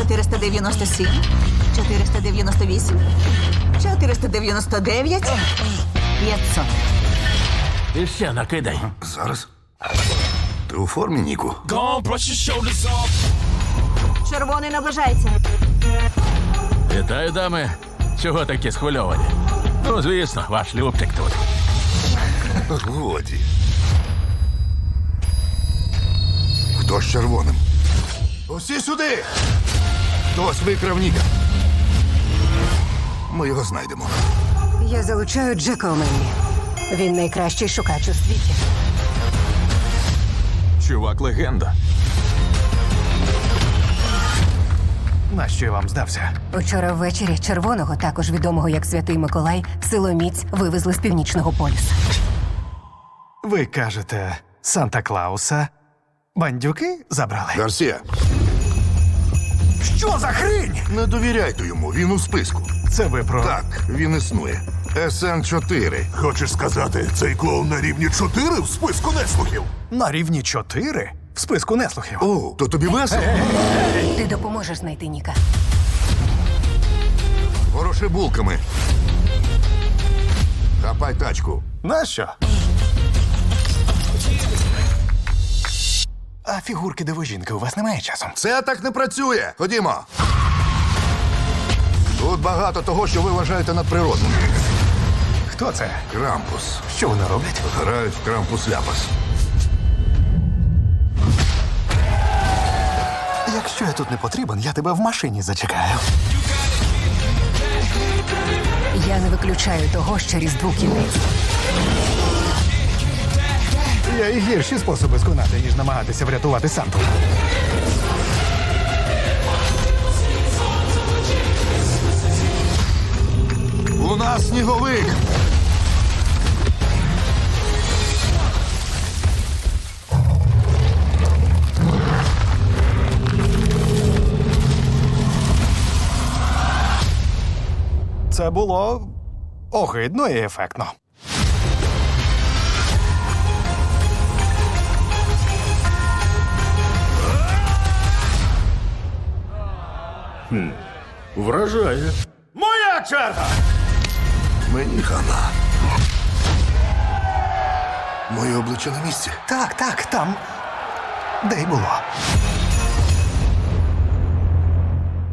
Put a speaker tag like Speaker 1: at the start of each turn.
Speaker 1: 497, 498, 499, 500.
Speaker 2: І ще накидай.
Speaker 3: Зараз. Ти у формі, Ніку?
Speaker 4: Gone, brush your shoulders off.
Speaker 1: Червоний наближається.
Speaker 2: Вітаю, дами. Чого такі схвильовані? Ну, звісно, ваш Любчик тут.
Speaker 3: Годі. Хто з червоним? Усі сюди! Хтось викрав Ніка. Ми його знайдемо.
Speaker 5: Я залучаю Джека О'Меллі. Він найкращий шукач у світі.
Speaker 6: Чувак легенда. Нащо я вам здався?
Speaker 5: Учора ввечері червоного, також відомого як Святий Миколай, силоміць вивезли з північного полюса.
Speaker 6: Ви кажете, Санта-Клауса бандюки забрали?
Speaker 3: Гарсія,
Speaker 6: Що за хрінь?
Speaker 3: не довіряйте йому, він у списку.
Speaker 6: Це ви про...
Speaker 3: Так, він існує. СН-4.
Speaker 7: Хочеш сказати, цей клоун на рівні 4 в списку неслухів?
Speaker 6: На рівні 4? В списку неслухів.
Speaker 3: О, то тобі весело?
Speaker 5: Ти допоможеш знайти Ніка.
Speaker 3: Вороши булками. Хапай тачку.
Speaker 6: Нащо? А фігурки дивожінки у вас немає часу?
Speaker 3: Це так не працює. Ходімо. Тут багато того, що ви вважаєте надприродним.
Speaker 6: Хто це?
Speaker 3: Крампус.
Speaker 6: Що вони роблять?
Speaker 3: Грають в крампус-ляпас.
Speaker 6: Якщо я тут не потрібен, я тебе в машині зачекаю.
Speaker 5: Я не виключаю того, що Різдву кінець.
Speaker 6: Є і гірші способи сконати, ніж намагатися врятувати Санту.
Speaker 3: У нас сніговик.
Speaker 6: Це було огидно і ефектно.
Speaker 2: Вражає.
Speaker 4: Моя черга!
Speaker 3: Мені хана. Моє обличчя на місці.
Speaker 6: Так, там. Де й було.